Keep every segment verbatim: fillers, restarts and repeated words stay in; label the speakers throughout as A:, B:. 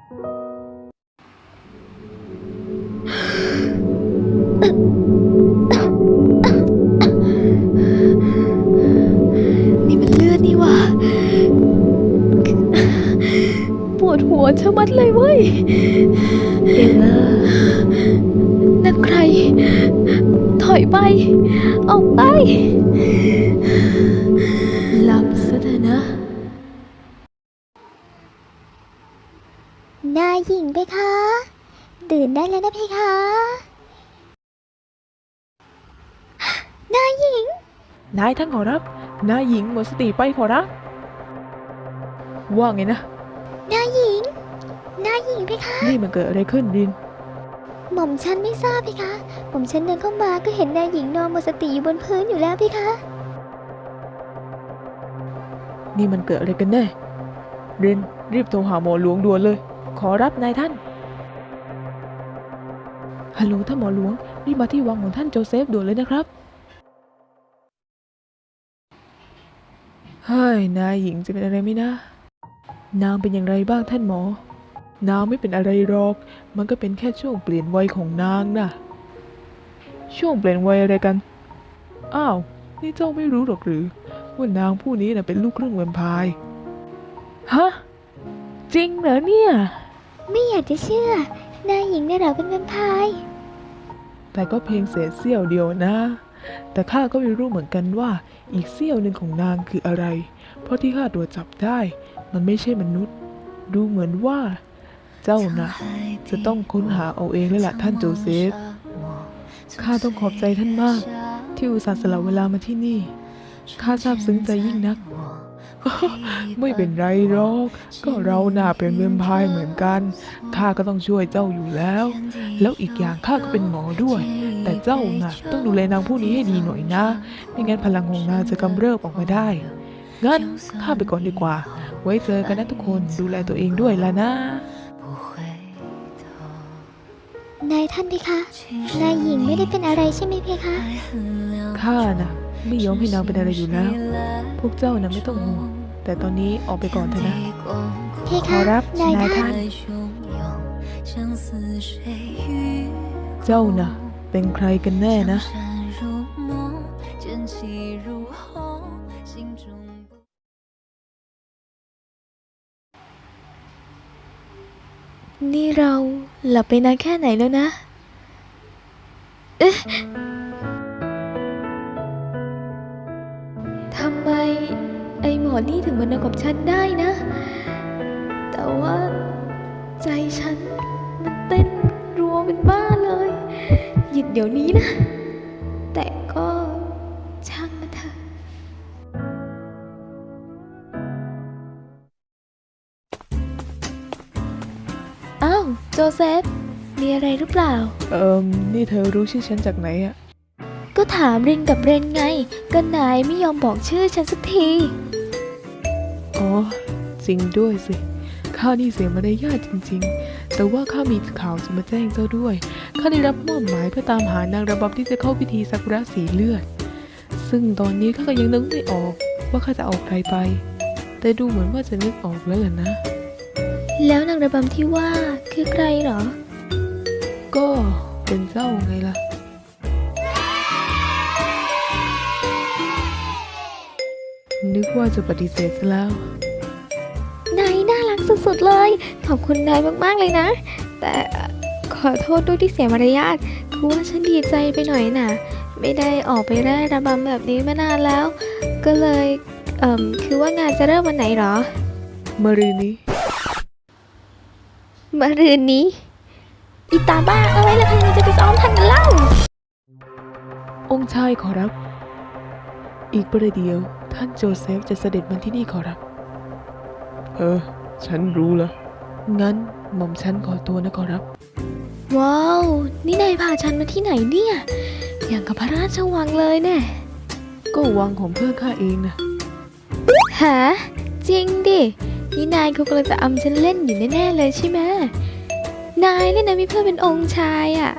A: นี่มันเลือดนี่วะปวดหัวชะมัดเลยเว้ยเอล่านั่นใครถอยไปออกไปหลับซะเถอะนะ
B: นายหญิงไปคะตื่นได้แล้วนะเพคะนายหญิง
C: นายท่านขอรับนายหญิงหมดสติไปขอรับว่าไงนะ
B: นายหญิงนายหญิงเพคะ
C: นี่มันเกิดอะไรขึ้นริน
B: หม่อมฉันไม่ทราบเพคะหม่อมฉันเดินเข้ามาก็เห็นนายหญิงนอนหมดสติอยู่บนพื้นอยู่แล้วเพคะ
C: นี่มันเกิดอะไรกันแน่รินรีบโทรหาหมอหลวงด่วนเลยขอรับนายท่านฮัลโหลท่านหมอหลวงรีบมาที่วังของท่านโจเซฟด่วนเลยนะครับเฮ้ยนายหญิงจะเป็นอะไรไหมนะนางเป็นอย่างไรบ้างท่านหมอนางไม่เป็นอะไรหรอกมันก็เป็นแค่ช่วงเปลี่ยนวัยของนางนะช่วงเปลี่ยนวัยอะไรกันอ้าวนี่เจ้าไม่รู้หรอกหรือว่านางผู้นี้น่ะเป็นลูกครึ่งแวมไพร์ฮะจริงเหรอเนี่ย
B: ไม่อยากจะเชื่อนายหญิงเนี่ยเหรอเป็นแวมไพร์
C: แต่ก็เพียงเศษเสี้ยวเดียวนะแต่ข้าก็ไม่รู้เหมือนกันว่าอีกเสี้ยวหนึ่งของนางคืออะไรเพราะที่ข้าตรวจจับได้มันไม่ใช่มนุษย์ดูเหมือนว่าเจ้านะจะต้องค้นหาเอาเองแล้วล่ะท่านโจเซฟข้าต้องขอบใจท่านมากที่อุตส่าห์สละเวลามาที่นี่ข้าซาบซึ้งใจยิ่งนักไม่เป็นไรหรอกก็เราน่าเป็นแวมไพร์เหมือนกันข้าก็ต้องช่วยเจ้าอยู่แล้วแล้วอีกอย่างข้าก็เป็นหมอด้วยแต่เจ้าน่ะต้องดูแลนางผู้นี้ให้ดีหน่อยนะไม่งั้นพลังของนางจะกำเริบออกมาได้งั้นข้าไปก่อนดีกว่าไว้เจอกันนะทุกคนดูแลตัวเองด้วยล่ะนะ
B: นายท่านเพคะนายหญิงไม่ได้เป็นอะไรใช่ไหมเพคะ
C: ข้าน่ะไม่ยอมให้นางเป็นอะไรอยู่แล้วพวกเจ้าน่ะไม่ต้องห่วงแต่ตอนนี้ออกไปก่อนเถอะนะ
B: เพคะ
C: รับนายท่านเจ้าน่ะเป็นใครกันแน่นะ
A: นี่เราหลับไปนานแค่ไหนแล้วนะเอ๊ะทำไมไอหมอนี่ถึงมานอนกับฉันได้นะแต่ว่าใจฉันมันเต้นรัวเป็นบ้าเลยหยุดเดี๋ยวนี้นะแต่ก็ช่างมันเถอะอ้าวโจเซฟมีอะไรหรือเปล่า
C: เอิมนี่เธอรู้ชื่อฉันจากไหนอะ
A: ก็ถามรินกับเรนไงก็นายไม่ยอมบอกชื่อฉันสักที
C: อ๋อจริงด้วยสิข้านี่เสียมารยาทจริงๆแต่ว่าข้ามีข่าวจะมาแจ้งเจ้าด้วยข้าได้รับมอบหมายเพื่อตามหานางระบำที่จะเข้าพิธีซากุระสีเลือดซึ่งตอนนี้ข้าก็ยังนึกไม่ออกว่าข้าจะเอาใครไปแต่ดูเหมือนว่าจะนึกออกแล้วล่ะนะ
A: แล้วนางระบำที่ว่าคือใครเหรอ
C: ก็เป็นเจ้าไงล่ะนึกว่าจะปฏิเสธซะแล้ว
A: นายน่ารักสุดๆเลยขอบคุณนายมากๆเลยนะแต่ขอโทษด้วยที่เสียมารยาทคือว่าฉันดีใจไปหน่อยน่ะไม่ได้ออกไปแร่ระบำแบบนี้มานานแล้วก็เลยเอ่อคือว่างานจะเริ่มวันไหนหรอ
C: มะรืนนี้
A: มะรืนนี้อีตาบ้าเอาไว้แล้วใครจะไปซ้อมทันกันเล่า
C: องค์ชายขอรับอีกประเดี๋ยวท่านโจเซฟจะเสด็จมาที่นี่ขอรับเออฉันรู้แล้วงั้นหม่อมฉันขอตัวนะขอรับ
A: ว้าวนี่นายพาฉันมาที่ไหนเนี่ยอย่างกับพระราชวังเลยแน่
C: ก็วังของเพื่อนข้าเองนะ
A: ฮะจริงดินี่นายเขากำลังจะอำฉันเล่นอยู่แน่ๆเลยใช่ไหมนายเนี่ยนะมีเพื่อนเป็นองค์ชายอ่ะ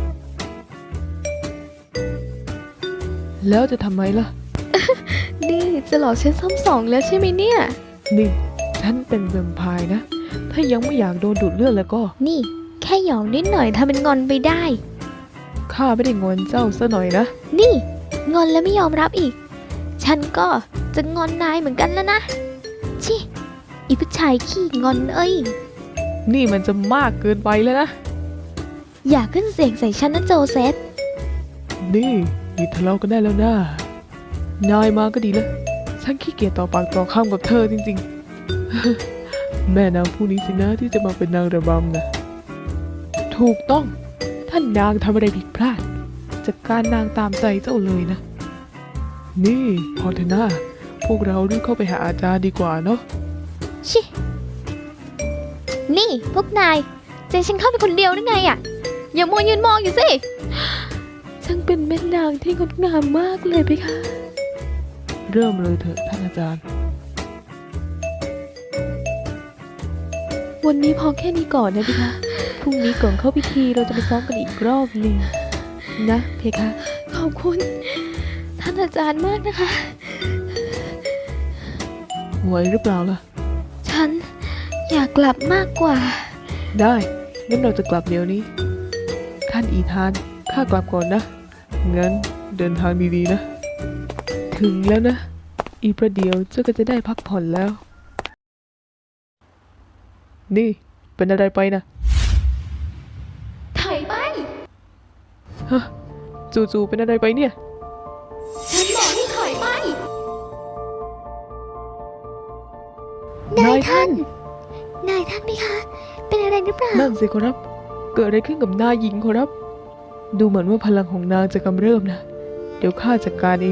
C: แล้วจะทำไมล่ะ
A: นี่จะหลอกฉันซ้ำสองแล้วใช่ไหมเนี่ย
C: นี่ฉันเป็นแวมไพร์นะถ้ายังไม่อยากโดนดูดเลือดแล้วก็
A: นี่ แค่หยอกนิดหน่อยทำเป็นงอนไปได้
C: ข้าไม่ได้งอนเจ้าซะหน่อยนะ
A: นี่งอนแล้วไม่ยอมรับอีก ฉันก็จะงอนนายเหมือนกันแล้วนะ ชิอีผู้ชายขี้งอนเอ้ย
C: นี่มันจะมากเกินไปแล้วนะ
A: อย่าขึ้นเสียงใส่ฉันนะโจเซฟ
C: นี่หยุดทะเลาะกันได้แล้วนะนายมาก็ดีแล้ว ฉันขี้เกียจต่อปากต่อคำกับเธอจริงๆ แม่นางผู้นี้สินะที่จะมาเป็นนางระบำนะถูกต้องท่านนางทำอะไรผิดพลาดจัดการนางตามใจเจ้าเลยนะ นี่พอเถอะนะพวกเรารีบเข้าไปหาอาจารย์ดีกว่าเนาะ
A: ชิ นี่พวกนายใจฉันเข้าไปคนเดียวได้ไงอะอย่ามัวยืนมองอยู่สิช่างเป็นแม่นางที่งดงามมากเลยเพคะ
C: เริ่มเลยเถอะท่านอาจารย์
A: วันนี้พอแค่นี้ก่อนนะเพคะ พรุ่งนี้ก่อนเข้าพิธีเราจะไปซ้อมกันอีกรอบหนึ่งนะเพคะ ขอบคุณ ท่านอาจารย์มากนะคะ
C: ไหวหรือเปล่าล่ะ
A: ฉันอยากกลับมากกว่า
C: ได้งั้นเราจะกลับเดี๋ยวนี้ท่านอีธานข้ากลับก่อนนะงั้นเดินทางดีๆนะ ถึงแล้วนะ อีกประเดี๋ยวเจ้าก็จะได้พักผ่อนแล้ว นี่เป็นอะไรไปนะ
A: ถอยไป
C: ฮะจู่ๆเป็นอะไรไปเนี่ย
A: ฉันบอกให้ถอยไป
B: นายท่าน นายท่านไหมคะ เป็นอะไรหรือเปล่า
C: นั่นสิขอรับ เกิดอะไรขึ้นกับนายหญิงขอรับ ดูเหมือนว่าพลังของนางจะกำเริบนะ เดี๋ยวข้าจัดการเอง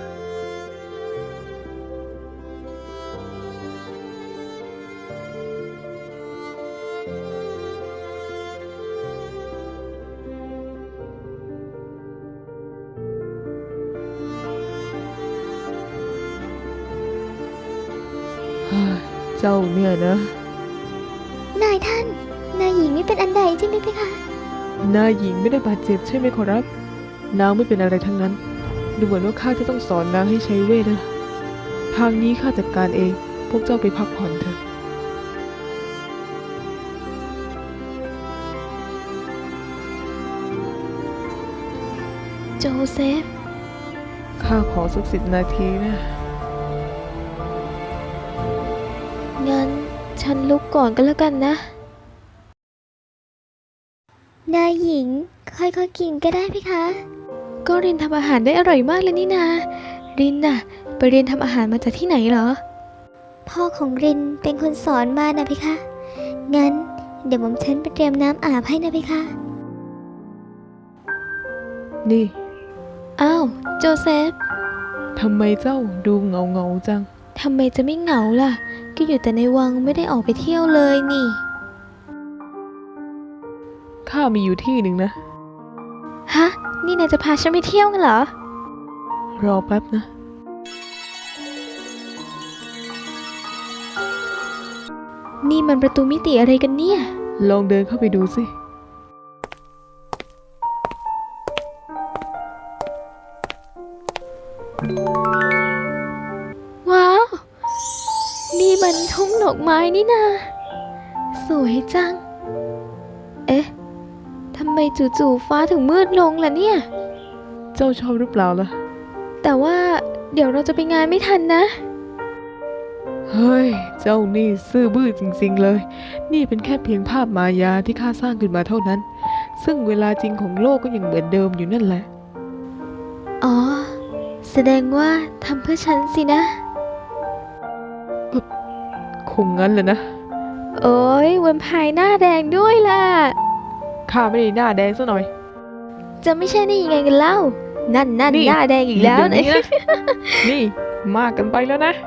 C: เจ้าเนี่ยนะ
B: นายท่าน นายหญิงไม่เป็นอันใดใช่ไหมเพคะ
C: นายหญิงไม่ได้บาดเจ็บใช่ไหมขอรับ นางไม่เป็นอะไรทั้งนั้น ดูเหมือนว่าข้าจะต้องสอนนางให้ใช้เวทนะ ทางนี้ข้าจัดการเอง พวกเจ้าไปพักผ่อนเถอะ
A: โจเซฟ
C: ข้าขอสักสิบนาทีนะ
A: งั้นฉันลุกก่อนก็แล้วกันนะ
B: นายหญิงค่อยๆกินก็ได้เพคะ
A: ก็รินทำอาหารได้อร่อยมากเลยนี่นา รินน่ะ ไปเรียนทำอาหารมาจากที่ไหนเหรอ
B: พ่อของรินเป็นคนสอนมานะเพคะ งั้นเดี๋ยวผมฉันไปเตรียมน้ำอาบให้นะเพคะ
C: นี่
A: อ้าว โจเซฟ
C: ทำไมเจ้าดูเงาเงาๆจัง
A: ทำไมจะไม่เหงาล่ะ ก็อยู่แต่ในวังไม่ได้ออกไปเที่ยวเลยนี่
C: ข้ามีอยู่ที่หนึ่งนะ
A: ฮะ นี่นายจะพาฉันไปเที่ยวกันเหรอ
C: รอแป๊บนะ
A: นี่มันประตูมิติอะไรกันเนี่ย
C: ลองเดินเข้าไปดูสิ
A: ว้าว นี่มันทุ่งดอกไม้นี่นา สวยจัง เอ๊ะ ทำไมจู่ๆฟ้าถึงมืดลงล่ะเนี่ย
C: เจ้าชอบหรือเปล่าล่ะ
A: แต่ว่าเดี๋ยวเราจะไปงานไม่ทันนะ
C: เฮ้ย เจ้านี่ซื่อบื้อจริงๆเลย นี่เป็นแค่เพียงภาพมายาที่ข้าสร้างขึ้นมาเท่านั้น ซึ่งเวลาจริงของโลกก็ยังเหมือนเดิมอยู่นั่นแหละ
A: อ๋อ แสดงว่าทำเพื่อฉันสินะ
C: คงงั้นแหละนะ
A: โอ้ยแวมไพร์หน้าแดงด้วยล่ะ
C: ข้าไม่ได้หน้าแดงซะหน่อย
A: จะไม่ใช่ได้ยังไงกันเล่า นั่นนั่น
C: นี่
A: หน้าแดงอีกแล้ว
C: เดี๋ย
A: นะ
C: นี้นะ นี่มากกันไปแล้วนะ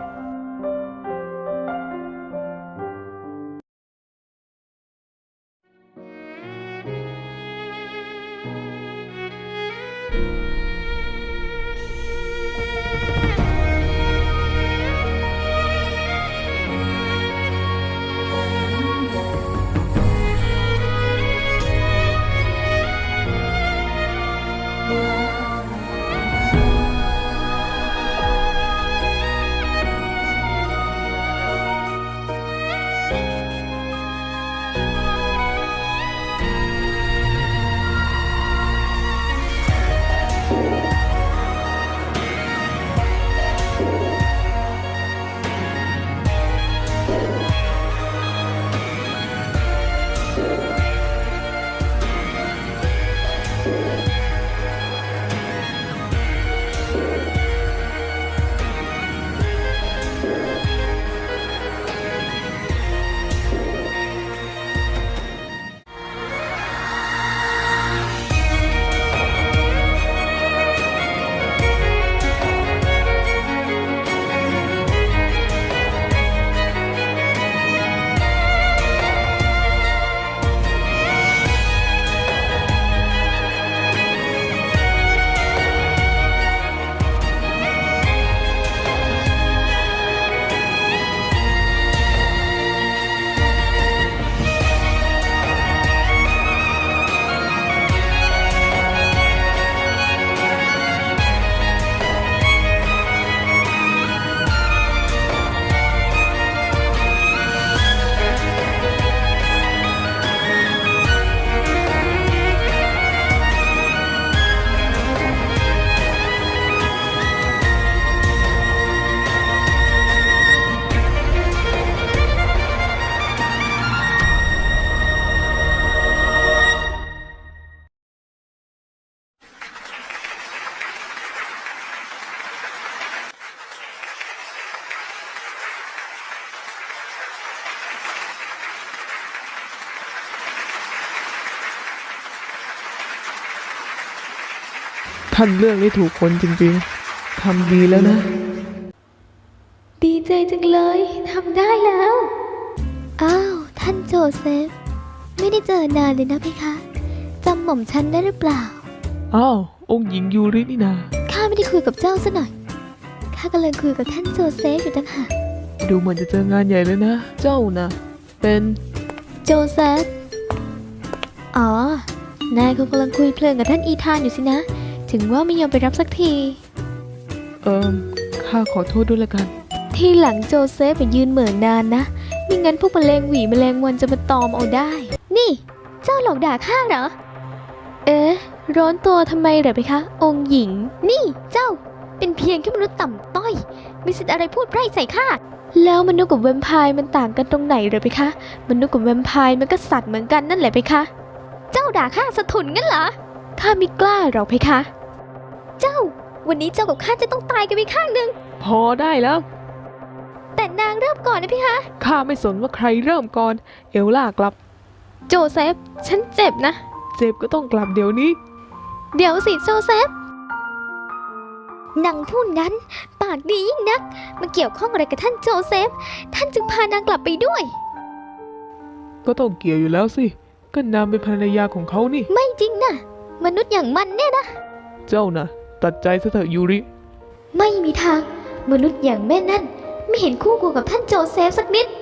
C: ท่านเลือกได้ถูกคนจริงๆทำดีแล้วนะ
A: ดีใจจังเลยทำได้แล้ว
B: อ้าว ท่านโจเซฟ ไม่ได้เจอนานเลยนะเพคะจำหม่อมฉันได้หรือเปล่า
C: อ้าว องค์หญิงยูรินี่นา
B: ข้าไม่ได้คุยกับเจ้าซะหน่อย ข้ากำลังคุยกับท่านโจเซฟอยู่ต่างหาก
C: ดูเหมือนจะเจองานใหญ่เลยนะ เจ้านะเป็น
B: โจเซฟ อ๋อ นายเขากำลังคุยเพลินกับท่านอีธานอยู่สินะ ถึงว่าไม่ยอมไปรับสักที
C: เอิมข้าขอโทษด้วยละกัน
A: ที่หลังโจเซฟไปยืนเหมือนนานนะไม่งั้นพวกแมลงหวีแมลงวันจะมาตอมเอาได้
B: นี่ เจ้าหลอกด่าข้าเหรอ
A: เอ๊ะ ร้อนตัวทำไมเหรอไปคะ องค์หญิง
B: นี่เจ้าเป็นเพียงแค่มนุษย์ต่ำต้อยมีสิทธิ์อะไรพูดไพร่ใส่ข้า
A: แล้วมนุษย์กับแวมไพร์มันต่างกันตรงไหนเหรอไปคะมนุษย์กับแวมไพร์มันก็สัตว์เหมือนกันนั่นแหละไปคะ
B: เจ้าด่าข้าสะทุนงั้นเหรอ
A: ข้าไม่กล้าหรอกไปคะ
B: เจ้า วันนี้เจ้ากับข้าจะต้องตายกันไปข้างหนึ่ง
C: พอได้แล้ว
B: แต่นางเริ่มก่อนนะพี่คะ
C: ข้าไม่สนว่าใครเริ่มก่อน เอลล่ากลับ
A: โจเซฟ ฉันเจ็บนะ
C: เจ็บก็ต้องกลับเดี๋ยวนี้
A: เดี๋ยวสิโจเซฟ
B: นางผู้นั้น ปากดียิ่งนักมาเกี่ยวข้องอะไรกับท่านโจเซฟ ท่านจึงพานางกลับไปด้วย
C: ก็ต้องเกี่ยวอยู่แล้วสิ ก็นางเป็นภรรยาของเขานี่
B: ไม่จริงนะมนุษย์อย่างมันเนี่ยนะ
C: เจ้านะตัดใจซะเถอะยูริ
B: ไม่มีทาง มนุษย์อย่างแม่นั่น ไม่เห็นคู่ควรกับท่านโจเซฟสักนิด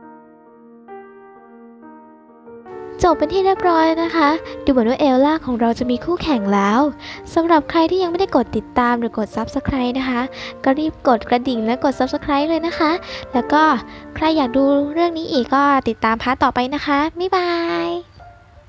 A: จบเป็นที่เรียบร้อยนะคะ ดูเหมือนว่าเอลล่าของเราจะมีคู่แข่งแล้วสำหรับใครที่ยังไม่ได้กดติดตามหรือกด ซับสไครบ์ นะคะ ก็รีบกดกระดิ่งและกด ซับสไครบ์ เลยนะคะ แล้วก็ใครอยากดูเรื่องนี้อีกก็ติดตามพาร์ทต่อไปนะคะ บ๊ายบาย